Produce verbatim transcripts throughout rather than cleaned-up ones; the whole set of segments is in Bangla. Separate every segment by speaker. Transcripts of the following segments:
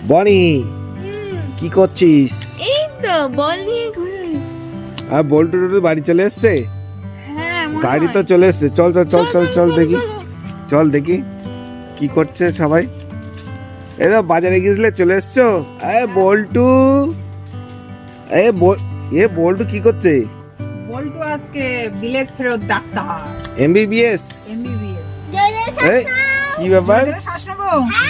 Speaker 1: বনি কি করছিস?
Speaker 2: এই তো বল নিয়ে ঘুরে।
Speaker 1: আর বল্টু টুটু বাড়ি চলে এসছে?
Speaker 2: হ্যাঁ
Speaker 1: গাড়ি তো চলে এসছে। চল চল চল চল চল দেখি, চল দেখি কি করছে সবাই। এরা বাজারে গিয়েছিলে, চলে এসছো? এ বল্টু, এ এ বল্টু কি করছে?
Speaker 3: বল্টু আজকে বিলেত ফেরত ডাক্তার,
Speaker 1: এমবিবিএস
Speaker 3: এমবিবিএস।
Speaker 1: এই কি ব্যাপার?
Speaker 3: শ্বাস নেবো?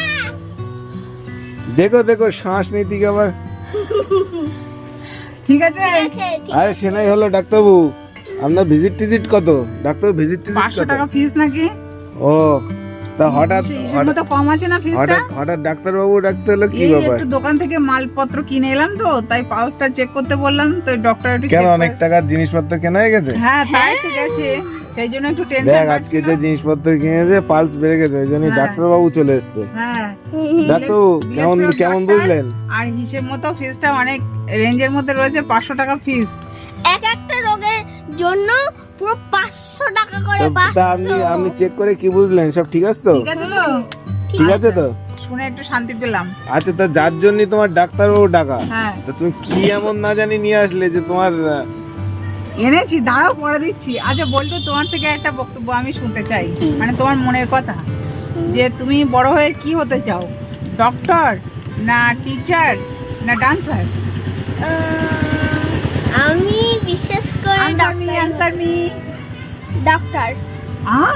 Speaker 1: দেখো দেখো শ্বাস নিতে আবার।
Speaker 3: ঠিক আছে,
Speaker 1: আরে সেনাই হলো ডাক্তারবাবু। আপনার ভিজিট টিজিট কত? ডাক্তার ভিজিট টিজিট
Speaker 3: পাঁচশো
Speaker 1: কত?
Speaker 3: টাকা ফিস নাকি?
Speaker 1: ও তা হঠাৎ
Speaker 3: হিসেব মতো কম আছে না ফিসটা?
Speaker 1: হঠাৎ হঠাৎ ডাক্তারবাবু ডাকতে হলো কি
Speaker 3: এই
Speaker 1: ব্যাপার?
Speaker 3: একটু দোকান থেকে মালপত্র কিনে এলাম তো, তাই পালসটা চেক করতে বললাম, তো ডক্টর একটু
Speaker 1: কেন
Speaker 3: check
Speaker 1: অনেক
Speaker 3: করে-
Speaker 1: টাকার জিনিসপত্র কেনা হয়ে গেছে?
Speaker 3: হ্যাঁ তাই একটু গেছে, সেই জন্য একটু
Speaker 1: দেখ
Speaker 3: টেনশন
Speaker 1: আজকে যে জিনিসপত্র কিনেছে পালস বেড়ে গেছে, ওই জন্য
Speaker 3: হ্যাঁ।
Speaker 1: ডাক্তারবাবু চলে এসছে।
Speaker 3: হ্যাঁ
Speaker 1: ডাক্তারবাবু
Speaker 3: বিলেত
Speaker 1: কেমন
Speaker 3: ফেরত
Speaker 1: কেমন
Speaker 3: ডাক্তার।
Speaker 1: বুঝলেন?
Speaker 3: আর হিসেব মতো ফিসটা অনেক রেঞ্জের মধ্যে রয়েছে, পাঁচশো টাকা ফিস।
Speaker 2: এক একটা রোগের জন্য পুরো পাঁচশো টাকা করে।
Speaker 1: তা- তা আপনি
Speaker 2: পাঁচশো।
Speaker 1: আপনি চেক করে কি বুঝলেন? সব ঠিক আছে তো?
Speaker 3: ঠিক আছে তো?
Speaker 1: ঠিক আছে তো?
Speaker 3: শুনে একটু শান্তি পেলাম।
Speaker 1: আচ্ছা তা যার জন্য তোমার ডাক্তারবাবু ডাকা,
Speaker 3: হ্যাঁ
Speaker 1: তা তুমি কি এমন না জানি নিয়ে আসলে যে তোমার আহ,
Speaker 3: এনেছি, দাঁড়াও পরে দিচ্ছি। আচ্ছা বলতো, তোমার থেকে একটা বক্তব্য আমি শুনতে চাই, মানে তোমার মনের কথা, যে তুমি বড় হয়ে কি হতে চাও? ডক্টর না টিচার না ডান্সার?
Speaker 2: আহ, আমি বিশেষ করে
Speaker 3: আনসার মি, আনসার মি।
Speaker 2: ডাক্তার।
Speaker 3: আহ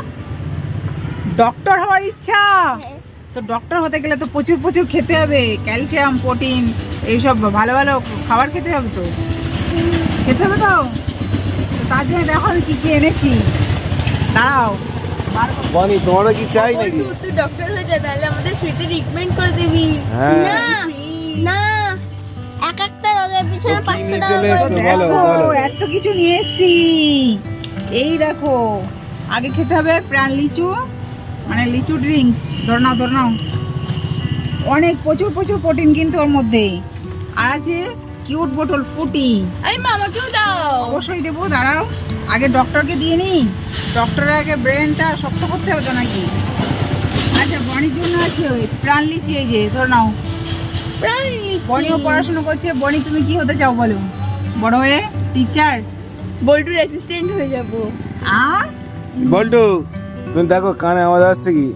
Speaker 3: ডক্টর হওয়ার ইচ্ছা? তো ডক্টর হতে গেলে তো প্রচুর প্রচুর খেতে হবে, ক্যালসিয়াম, প্রোটিন, এইসব ভালো ভালো খাবার খেতে হবে। তো খেতে হবে তো, তো তার জন্য দেখো আমি কি কি এনেছি। দাঁড়াও, বার করো।
Speaker 1: বনি তোমারও কি চাই নাকি?
Speaker 2: তুই তুই ডক্টর হয়ে যা, তাহলে আমাদের ফ্রিতে ট্রিটমেন্ট করে দিবি।
Speaker 1: হ্যাঁ।
Speaker 2: না না, এক একটা রোগের পিছনে
Speaker 1: তো কি
Speaker 2: পাঁচশো
Speaker 1: নিয়ে
Speaker 2: টাকা
Speaker 1: চলে
Speaker 2: করে
Speaker 1: এসছো?
Speaker 2: দেয়।
Speaker 1: বলো,
Speaker 3: দেখো
Speaker 1: বলো।
Speaker 3: এত কিছু নিয়ে এসেছি। এই দেখো, আগে খেতে হবে প্রাণ লিচু, মানে লিচু ড্রিঙ্কস। ধর নাও ধর নাও, অনেক প্রচুর প্রচুর প্রোটিন কিন্তু ওর মধ্যে। আর আছে কিউট বোতল ফুটি,
Speaker 2: আরে মা আমাকেও দাও।
Speaker 3: অবশ্যই দেবো, দাঁড়াও আগে ডক্টরকে দিয়ে নি। ডক্টরের আগে ব্রেনটা শক্ত করতে হবে তো নাকি? আচ্ছা বনির জন্য আছে ওই প্রাণ লিচি, এই যে ধর নাও।
Speaker 2: প্রাণ লিচি।
Speaker 3: বনিও পড়াশোনা করছে। বনি তুমি কি হতে চাও বলো? বড় হয়ে টিচার?
Speaker 2: বল্টুর অ্যাসিস্ট্যান্ট হয়ে যাব।
Speaker 3: আর
Speaker 1: বল্টু তুমি দেখো কানে আওয়াজ আসছে কি?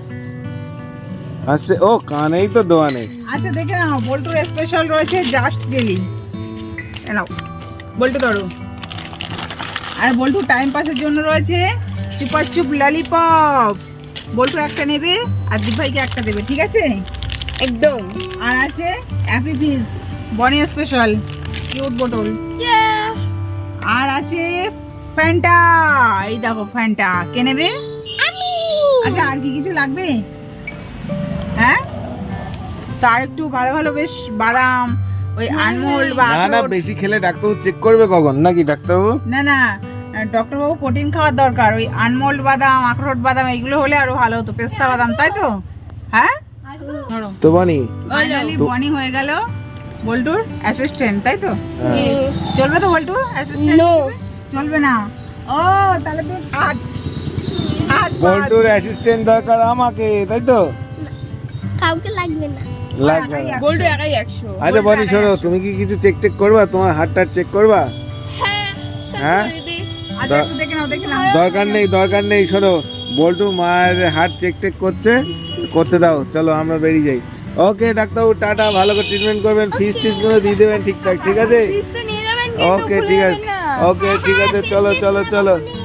Speaker 1: আসছে? ও কানেই তো দোয়ানে।
Speaker 3: আচ্ছা দেখে নাও, বল্টুর স্পেশাল রয়েছে জাস্ট জেলি। এ নাও বল্টু ধরো। আর বল্টু টাইম পাসের জন্য রয়েছে চুপা চুপ ললিপপ। বল্টু একটা নেবে আর দিভাইকে একটা দেবে, ঠিক আছে?
Speaker 2: একদম।
Speaker 3: আর আছে হ্যাপি ফিজ, বনি স্পেশাল কিউট বোতল। আর আছে ফ্যান্টা, এই দেখো ফ্যান্টা। কে নেবে?
Speaker 2: আমি।
Speaker 3: আচ্ছা আর কি কিছু লাগবে? হ্যাঁ, তার একটু ভালো ভালো বেশ বাদাম, ওই আনমোল বা
Speaker 1: না না,
Speaker 3: আখরোট।
Speaker 1: বেশি খেলে ডাক্তারবাবু চেক করবে কখন নাকি ডাক্তারবাবু?
Speaker 3: না না, ডক্টর বাবু প্রোটিন খাওয়ার দরকার। ওই আনমোল্ড বাদাম, আখরোট বাদাম এইগুলো হলে আরো ভালো হতো, পেস্তা বাদাম, তাই তো? হ্যাঁ ধরো।
Speaker 1: তো বনি
Speaker 3: ফাইনালি
Speaker 1: তো-
Speaker 3: বনি হয়ে গেল বল্টুর অ্যাসিস্ট্যান্ট, তাই তো?
Speaker 1: হ্যাঁ।
Speaker 3: চলবে তো বল্টু অ্যাসিস্ট্যান্ট?
Speaker 2: No.
Speaker 3: চলবে না? ও তাহলে তুমি ছাড় ছাড় বাদ।
Speaker 1: বল্টুর অ্যাসিস্ট্যান্ট দরকার আমাকে, তাই তো?
Speaker 2: কাউকে লাগবে না।
Speaker 1: লাগবে না।
Speaker 3: একাই
Speaker 2: বল্টু
Speaker 3: একশো।
Speaker 2: একাই একশো।
Speaker 1: আচ্ছা বনি শোনো, তুমি কি কিছু চেক টেক করবা? তোমার হার্ট টার্ট চেক করবা?
Speaker 2: হ্যাঁ
Speaker 1: হ্যাঁ?
Speaker 2: করে দে।
Speaker 3: আচ্ছা একটু দেখে নাও, দেখে নাও।
Speaker 1: দরকার নেই দরকার নেই, শোনো বল্টু মায়ের হার্ট চেক টেক করছে, করতে দাও। চলো আমরা বেরিয়ে যাই। ওকে ডাক্তারবাবু টাটা, ভালো করে ট্রিটমেন্ট করবেন, ফিস টিস গুলো দিয়ে দেবেন ঠিকঠাক, ঠিক আছে?
Speaker 2: ফিস তো নিয়ে যাবেন কিন্তু
Speaker 1: ওকে
Speaker 2: ভুলে
Speaker 1: ঠিক
Speaker 2: যাবেন
Speaker 1: আছে,
Speaker 2: না।
Speaker 1: ওকে ঠিক আছে, চলো চলো চলো।